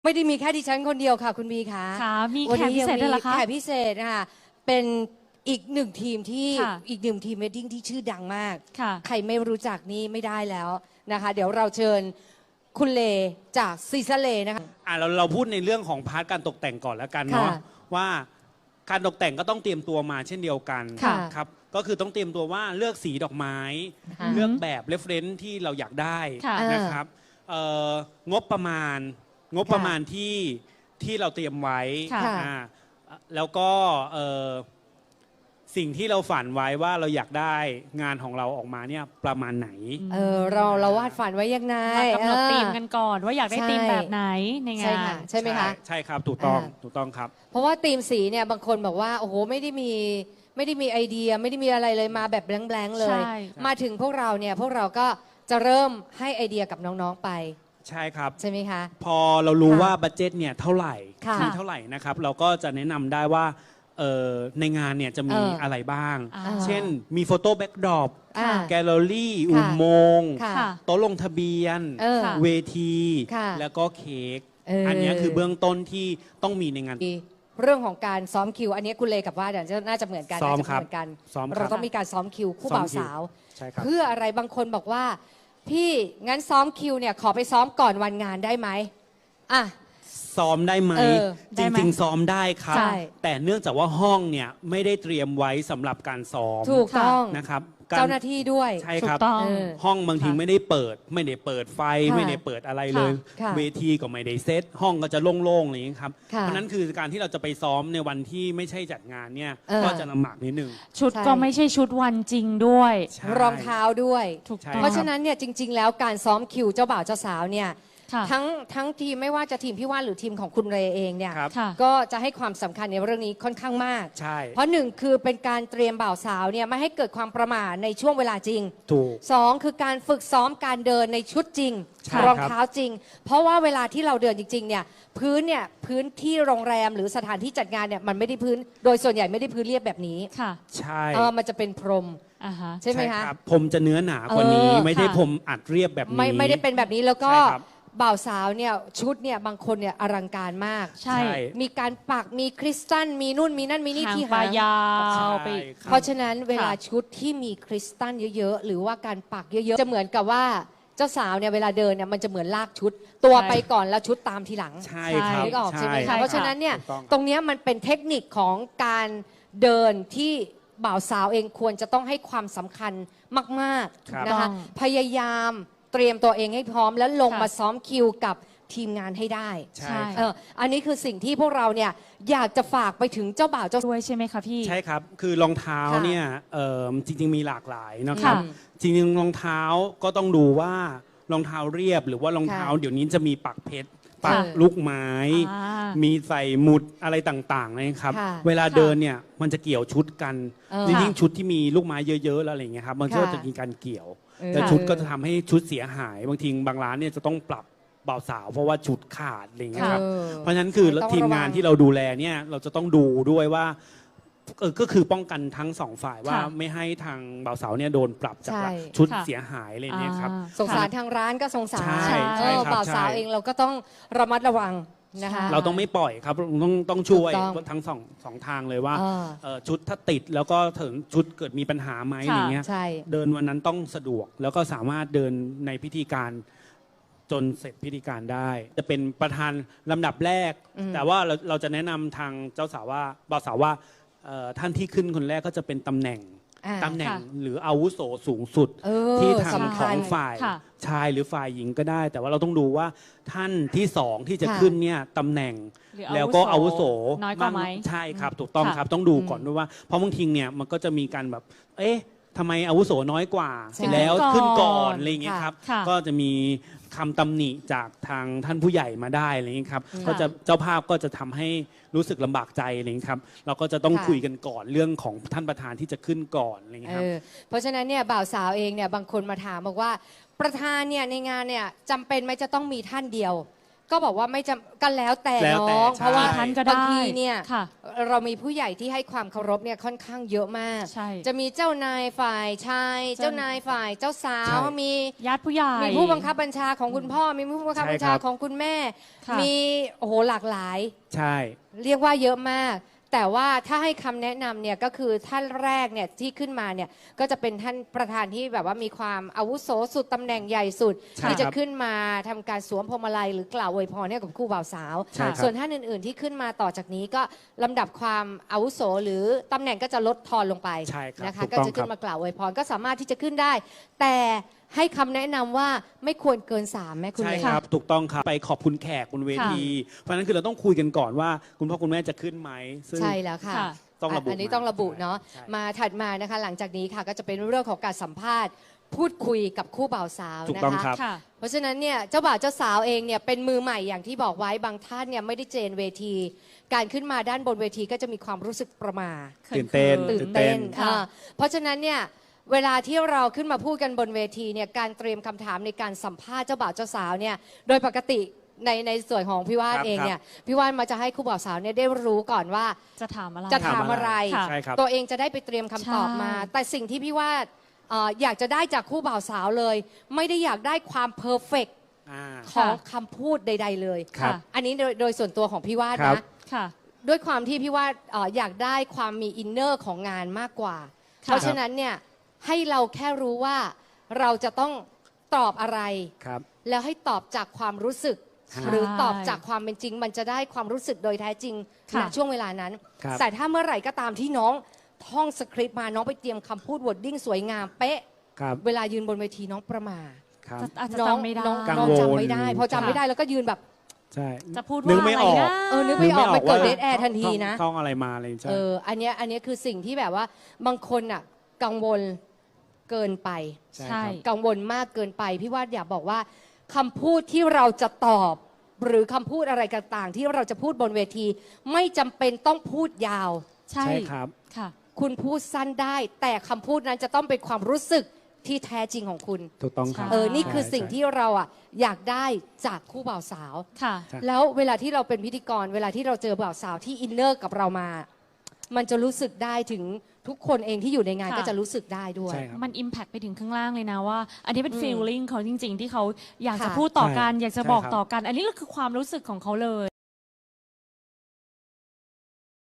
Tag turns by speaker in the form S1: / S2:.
S1: ไม่ได้มีแค่ดิฉันคนเดียวค่ะคุณบีค่ะ
S2: ค่ะมี
S1: วัน
S2: แขก
S1: นี้
S2: พิเศษด้วยเหรอคะ
S1: แขกพิเศษนะคะเป็นอีกหนึ่งทีมที่
S2: ค่ะ
S1: อีกหนึ่งทีมเวดดิ้งที่ชื่อดังมาก
S2: ค่ะ
S1: ใครไม่รู้จักนี่ไม่ได้แล้วนะคะ เดี๋ยวเราเชิญคุณเลจากซีซาเลนะคะ
S3: เราพูดในเรื่องของพาร์ทการตกแต่งก่อนแล้วกันเนาะ
S1: ค่ะ
S3: ว่าการตกแต่งก็ต้องเตรียมตัวมาเช่นเดียวกัน
S1: ค่ะ
S3: ครับก็คือต้องเตรียมตัวว่าเลือกสีดอกไม้
S1: ค่ะ
S3: เลือกแบบเรฟเฟรนซ์ที่เราอยากได้
S2: ค่ะ
S3: นะครับงบประมาณที่เราเตรียมไว้
S2: ค่ะ
S3: อ่าแล้วก็สิ่งที่เราฝันไว้ว่าเราอยากได้งานของเราออกมาเนี่ยประมาณไหน
S1: เราวาดฝันไว้ยังไง
S2: มากำหนดธีมกันก่อนว่าอยากได้
S1: ใช่
S2: ธีมแบบไหนในงา
S1: ใช่
S2: น
S1: ค่ะใช่ไหมคะ
S3: ใช่ครับถูกต้อง
S1: อ่า
S3: ถูกต้องครับ
S1: เพราะว่าธีมสีเนี่ยบางคนบอกว่าโอ้โหไม่ได้มีไอเดียไม่ได้มีอะไรเลยมาแบบแบงค์ๆเลย
S2: ใช่
S1: มาถึงพวกเราเนี่ยพวกเราก็จะเริ่มให้ไอเดียกับน้องๆไป
S3: ใช่ครับ
S1: ใช่ไหมคะ
S3: พอเรารู้
S1: ค่ะ
S3: ว่าบัดเจ็ตเนี่ยเท่าไหร่
S1: ค่ะ
S3: มีเท่าไหร่นะครับ เราก็จะแนะนำได้ว่าในงานเนี่ยจะมีอะไรบ้าง
S2: อ่า
S3: เช่นมีโฟโต้แบ็กดรอป
S1: อ่า
S3: แกลเลอรี่
S1: ค่ะ
S3: อุโมงค์
S1: ค่ะ
S2: ค่ะ
S3: โต๊ะลงทะเบียน
S1: เออ
S2: ค่ะ
S3: เวที
S1: ค่ะ
S3: แล้วก็เค้ก
S1: อั
S3: นเนี้ยคือเบื้องต้นที่ต้องมีในงาน
S1: เรื่องของการซ้อมคิว อันนี้คุณเลกับว่าเดี๋ยวน่าจะเหมือนกัน
S3: ซ้อม
S1: น่าจะ
S3: ครับ
S1: เหมือนกัน
S3: ซ้อมครับ
S1: เราต้องมีการซ้อมคิวคู่
S3: ซ้อ
S1: บ่าม ว
S3: คิว
S1: สาว
S3: ใช่ครับ
S1: เพื่ออะไรบางคนบอกว่า พี่งั้นซ้อมคิวเนี่ยขอไปซ้อมก่อนวันงานได้ไหมอ่ะ
S3: ซ้อมได้ไหม
S1: เออ
S3: จ
S2: ได้ไหม
S3: ริง ๆ ซ้อมได้ครับ
S1: ใช่
S3: แต่เนื่องจากว่าห้องเนี่ยไม่ได้เตรียมไว้สำหรับการซ้อม
S1: ถูกต้อง
S3: นะครับกร
S1: เจ้าหน้าที่ด้วย
S3: ใช่
S2: ถู
S3: ครั
S2: ก
S3: บ
S2: ต้อง
S1: เออ
S3: ห้องบางที
S2: ค่ะ
S3: ไม่ได้เปิดไฟ
S1: ค่ะ
S3: ไม่ได้เปิดอะไรเลย
S1: ค่ะ
S3: เวทีก็ไม่ได้เซตห้องก็จะโล่งๆอะไรอย่างนี้ครับ
S1: ค่ะ
S3: เพราะนั้นคือการที่เราจะไปซ้อมในวันที่ไม่ใช่จัดงานเนี่ย
S1: เออ
S3: ก็จะลำบากนิดนึง
S2: ชุด
S1: ใช่
S2: ก็ไม่ใช่ชุดวันจริงด้วย
S3: ใช่
S1: รองเท้าด้วย
S2: ถูก
S3: ใช่
S2: ต้อง
S1: เพราะฉะนั้นเนี่ยจริง ๆ แล้วการซ้อมคิวเจ้าบ่าวเจ้าสาวเนี่ย
S2: ค่ะ
S1: ทั้งทีมไม่ว่าจะทีมพี่ว่านหรือทีมของคุณเรเองเนี่ย
S3: ครับ
S2: ค่ะ
S1: ก็จะให้ความสำคัญในเรื่องนี้ค่อนข้างมาก
S3: ใช่
S1: เพราะหนึ่งคือเป็นการเตรียมบ่าวสาวเนี่ยไม่ให้เกิดความประมาทในช่วงเวลาจริง
S3: ถูก
S1: สองคือการฝึกซ้อมการเดินในชุดจริง
S3: ใช่
S1: รองเท้าจริง เพราะว่าเวลาที่เราเดินจริงๆเนี่ยพื้นที่โรงแรมหรือสถานที่จัดงานเนี่ยมันไม่ได้พื้นโดยส่วนใหญ่ไม่ได้พื้นเรียบแบบนี้
S2: ค่ะ
S3: ใช่
S1: มันจะเป็นพรม
S2: อ่าฮะ
S1: ใช่ไหมคะ
S3: รับผมจะเนื้อหนากว่านี้ ไม่ได้
S2: ค่ะ
S3: ผมอัดเรียบแบบนี้
S1: ไม่ได้เป็นแบบนี้แล้วก็
S3: ใช่ครับ
S1: บ่าวสาวเนี่ยชุดเนี่ยบางคนเนี่ยอลังการมาก
S2: ใช่
S1: มีการปักมีคริสตัลมีนู่นมีนั่นมีนี่
S2: หาง
S1: ที่
S2: ปลา
S1: หาง
S2: ยาวไป
S3: ใช่ครับ
S1: เพราะฉะนั้นเวลาชุดที่มีคริสตัลเยอะๆ หรือว่าการปักเยอะๆ จะเหมือนกับว่าเจ้าสาวเนี่ยเวลาเดินเนี่ยมันจะเหมือนลากชุด ตัว
S2: ใช่
S1: ไปก่อนแล้วชุดตามทีหลัง
S3: ใช่ครับ
S1: นึกออกใช่ไหม
S2: ใช่
S1: คะเพราะฉะนั้นเนี่ย
S3: ถูกต้อง
S1: ตรงเนี้ยมันเป็นเทคนิคของการเดินที่บ่าวสาวเองควรจะต้องให้ความสำคัญมาก
S3: ครับ
S1: ๆนะคะ
S2: ต้อง
S1: พยายามเตรียมตัวเองให้พร้อมแล้วลง
S2: ค่ะ
S1: มาซ้อมคิวกับทีมงานให้ได้
S3: ใช่
S1: เอออันนี้คือสิ่งที่พวกเราเนี่ยอยากจะฝากไปถึงเจ้าบ่าวเจ้า
S2: ด้วยใช่ไหมคะพี่
S3: ใช่ครับ คือรองเท้า
S1: ค่ะ
S3: เนี่ยจริงๆมีหลากหลายนะครับ
S2: ค่ะ
S3: จริงๆรองเท้าก็ต้องดูว่ารองเท้าเรียบ หรือว่ารองเท้า
S1: ค่ะ
S3: เดี๋ยวนี้จะมีปักเพชรปัก
S1: ค่ะ
S3: ลูกไม้
S2: อ่า
S3: มีใส่หมุดอะไรต่างๆนะครับ
S1: ค่ะ
S3: เวลาเดินเนี่ยมันจะเกี่ยวชุดกัน
S1: เออ
S3: ยิ่งชุดที่มีลูกไม้เยอะๆแล้วอะไรอย่างเงี้ยครับมันก็
S1: ค่ะ
S3: จะมีการเกี่ยว
S1: เออ
S3: แต่ชุดก็จะทำให้ชุดเสียหายบางทีบางร้านเนี่ยจะต้องปรับบ่าวสาวเพราะว่าชุดขาดอะไรอย่างเงี้ยครับ
S1: เออ
S3: เพราะฉะนั้นคือ
S1: ต้อง
S3: ทีมงาน
S1: ระวัง
S3: ที่เราดูแลเนี่ยเราจะต้องดูด้วยว่าก็คือป้องกันทั้งสองฝ่ายว่า
S2: ค่ะ
S3: ไม่ให้ทางบ่าวสาวเนี่ยโดนปรับจาก
S1: ใช่
S3: ชุด
S2: ค่ะ
S3: เสียหายอะไรอย่างเงี้ยครับ
S2: อ่า
S1: สงสารทางร้านก็สงสาร
S3: ใช่ใช่ครับ
S1: บ่าวสาว
S3: ใช่
S1: เองเราก็ต้องระมัดระวังนะคะ
S3: เราต้องไม่ปล่อยครับต้องช่วย
S1: ถูกต้อง
S3: ทั้งสองทางเลยว่า
S1: อ่า
S3: ชุดถ้าติดแล้วก็ถึงชุดเกิดมีปัญหาไหม
S2: ค่ะ
S3: อะไรเงี้ย
S1: ใช่
S3: เดินวันนั้นต้องสะดวกแล้วก็สามารถเดินในพิธีการจนเสร็จพิธีการได้ จะเป็นประธานลำดับแรก
S1: อืม
S3: แต่ว่าเราจะแนะนำทางเจ้าสาวว่าบ่าวสาวว่าท่านที่ขึ้นคนแรกก็จะเป็นตำแหน่ง
S1: อ่า
S3: ตำแหน่ง
S2: ค่ะ
S3: หรืออาวุโสสูงสุด
S1: เออ
S3: ที่ทาง
S1: สำ
S3: ข
S1: คั
S3: อ
S1: ญ
S3: งฝ่าย
S2: ค่ะ
S3: ชายหรือฝ่ายหญิงก็ได้ แต่ว่าเราต้องดูว่าท่านที่สองที่จะ
S1: ค่ะ
S3: ขึ้นเนี่ยตำแหน่ง
S2: หรือ
S3: แล้วก็อาวุโส
S2: น้อยกว่าไหม
S3: ใช่ครับถูกต้อง
S2: ค่ะ
S3: ครับต้องดูก่อนด้วยว่าเพราะบางทีเนี่ยมันก็จะมีการแบบ เอ๊ะทำไมอาวุโสน้อยกว่า
S1: ใช่
S3: แล้ว
S2: ขึ้
S3: ขึ้น
S2: นก่
S3: ก่อ
S2: อน น
S3: อะไรอย่างเงี้ยครับ
S2: ค่ะ
S3: ก็จะมีคำตำหนิจากทางท่านผู้ใหญ่มาได้อะไรอย่างเงี้ยครับ
S1: ค่ะ
S3: ก็จะเจ้าภาพก็จะทำให้รู้สึกลำบากใจอะไรอย่างเงี้ยครับเราก็จะต้อง
S1: ค่ะ
S3: คุยกันก่อนเรื่องของท่านประธานที่จะขึ้นก่อนอะไรอย่างเงี้ยครับ
S1: เพราะฉะนั้นเนี่ยบ่าวสาวเองเนี่ยบางคนมาถามบอกว่า ประธานเนี่ยในงานเนี่ยจำเป็นไหมจะต้องมีท่านเดียวก็บอกว่าไม่จำกันแล้วแต่
S3: แล้วแต่
S1: น้อง
S3: ใช่
S1: เพราะว่า
S2: ท่านก็ได้
S1: บางทีเนี่ย
S2: ค่ะ
S1: เรามีผู้ใหญ่ที่ให้ความเคารพเนี่ยค่อนข้างเยอะมาก
S2: ใช่
S1: จะมีเจ้านายฝ่ายชาย
S2: เจ้า
S1: เจ้านายฝ่ายเจ้าสาว
S3: ใช่
S1: มี
S2: ญาติผู้ใหญ่
S1: มีผู้บังคับบัญชาของคุณพ่อ มีผู้บังคับบัญชา
S3: ใช่ครับ
S1: ของคุณแม่
S2: ค่ะ
S1: มีโอ้โหหลากหลาย
S3: ใช่
S1: เรียกว่าเยอะมาก แต่ว่าถ้าให้คำแนะนำเนี่ยก็คือท่านแรกเนี่ยที่ขึ้นมาเนี่ยก็จะเป็นท่านประธานที่แบบว่ามีความอาวุโสสุดตำแหน่งใหญ่สุด
S3: ใช่
S1: ที่จะ
S3: ครับ
S1: ขึ้นมาทำการสวมพวงมาลัยหรือกล่าวอวยพรให้กับคู่บ่าวสาว
S3: ใช่ครับ
S1: ส่วนท่านอื่น ๆที่ขึ้นมาต่อจากนี้ก็ลำดับความอาวุโสหรือตำแหน่งก็จะลดทอนลงไป
S3: ใช่ครับ
S1: นะคะ
S3: ถูก
S1: ก็
S3: ต้อง
S1: จะขึ้
S3: ครั
S1: น
S3: บ
S1: มากล่าวอวยพรก็สามารถที่จะขึ้นได้ แต่ให้คำแนะนำว่าไม่ควรเกิน3แม่คุณ
S3: ใช่
S1: เลย
S3: ครับถูกต้องครับไปขอบคุณแขกบนเวที เพราะฉะนั้นคือเราต้องคุยกันก่อนว่าคุณพ่อคุณแม่จะขึ้นไหมซึ่ง
S1: ใช่แล้วค่ะ
S2: ค่ะ
S3: ต้องระบุ
S1: อันนี้ต้องระบุเนาะ
S3: ใช่
S1: มาถัดมานะคะหลังจากนี้ค่ะก็จะเป็นเรื่องของการสัมภาษณ์ พูดคุยกับคู่บ่าวสาว
S3: ถูก
S1: นะ
S3: ต้อง
S1: คะ
S3: ครับ
S2: ค่ะ
S1: เพราะฉะนั้นเนี่ยเจ้าบ่าวเจ้าสาวเองเนี่ยเป็นมือใหม่อย่างที่บอกไว้บางท่านเนี่ยไม่ได้เจนเวที การขึ้นมาด้านบนเวทีก็จะมีความรู้สึกประหม่า
S3: ตื่นเต้น
S1: ตื่นเต้น
S2: ค่ะ
S1: เพราะฉะนั้นเนี่ยเวลาที่เราขึ้นมาพูดกันบนเวทีเนี่ยการเตรียมคำถามในการสัมภาษณ์เจ้าบ่าวเจ้าสาวเนี่ยโดยปกติในส่วนของพี่ว่าน
S3: ครับ
S1: เองเนี่ยพี่ว่านมาจะให้คู่บ่าวสาวเนี่ยได้รู้ก่อนว่า
S2: จะถามอะไร
S1: จะถามอะไร
S2: ค่ะ
S3: ใช่ครับ
S1: ตัวเองจะได้ไปเตรียมคำตอบมา
S2: ใช่
S1: แต่สิ่งที่พี่ว่าอยากจะได้จากคู่บ่าวสาวเลย ไม่ได้อยากได้ความเพอร์เฟก
S3: อ่า
S1: ของคำพูดใด ๆ เลย
S3: ครับ
S1: อันนี้โดยส่วนตัวของพี่วาด
S3: ครับ
S1: นะ
S2: ค่ะ
S1: ด้วยความที่พี่วาดอยากได้ความมีอินเนอร์ของงานมากกว่า
S2: ค่ะ
S1: เพราะฉะนั้นเนี่ยให้เราแค่รู้ว่าเราจะต้องตอบอะไร
S3: ครับ
S1: แล้วให้ตอบจากความรู้สึก
S3: ใช่
S1: หรือตอบจากความเป็นจริง มันจะได้ความรู้สึกโดยแท้จริง
S2: ค่ะ
S1: ณช่วงเวลานั้น
S3: ครับ
S1: แต่ถ้าเมื่อไหร่ก็ตามที่น้องท่องสคริปต์มาน้องไปเตรียมคำพูดวอร์ดดิ้งสวยงามเป๊ะ
S3: ครับ
S1: เวลายืนบนเวทีน้องประหมา
S3: ครับ
S2: อาจจะ
S1: น้อง
S2: จำไม่ได้
S1: น้อง
S3: กัง
S1: น้อง
S3: วล
S1: จำไม่ได้ พอจำไม่ได้แล้วก็ยืนแบบ
S3: ใช่
S2: จะพูด
S3: นึ
S2: ว่าก
S3: ไม่
S2: อะไร
S3: ออก
S2: นะ
S1: นึกไม่ออกมันเกิด
S3: ว่า
S1: เดทแอร์ทันทีนะ
S3: ท่องอะไรมาอะไรใช่
S1: อันเนี้ยคือสิ่งที่แบบว่าบางคนอ่ะกังวลเกินไป
S3: ใช่
S2: ใช่
S3: ครับ
S1: กังวลมากเกินไปพี่ว่าอยากบอกว่าคำพูดที่เราจะตอบ หรือคำพูดอะไรต่างๆ ที่เราจะพูดบนเวที ไม่จำเป็นต้องพูดยาว
S2: ใช่
S3: ใช่ครับ
S2: ค่ะ
S1: คุณพูดสั้นได้ แต่คำพูดนั้นจะต้องเป็นความรู้สึกที่แท้จริงของคุณ
S3: ถูกต้องครับ
S1: นี่คือ
S3: ใช่
S1: สิ่งที่เราอ่ะอยากได้จากคู่บ่าวสาว
S2: ค่ะ
S3: ใช่
S1: แล้วเวลาที่เราเป็นพิธีกร เวลาที่เราเจอบ่าวสาวที่อินเนอร์กับเรามา มันจะรู้สึกได้ถึงทุกคนเองที่อยู่ในงาน
S2: ค่ะ
S1: ก็จะรู้สึกได้ด้วย
S3: ใช่ครับ
S2: มันอิมแพคไปถึงข้างล่างเลยนะว่า อันนี้เป็น
S1: อืม
S2: feeling เขาจริง ๆ ที่เขาอยากจะ
S1: ค่ะ
S2: พูดต่อกัน
S3: ใช่
S2: อยากจะบอก
S3: ใช่ครับ
S2: ต่อกัน อันนี้ก็คือความรู้สึกของเขาเลย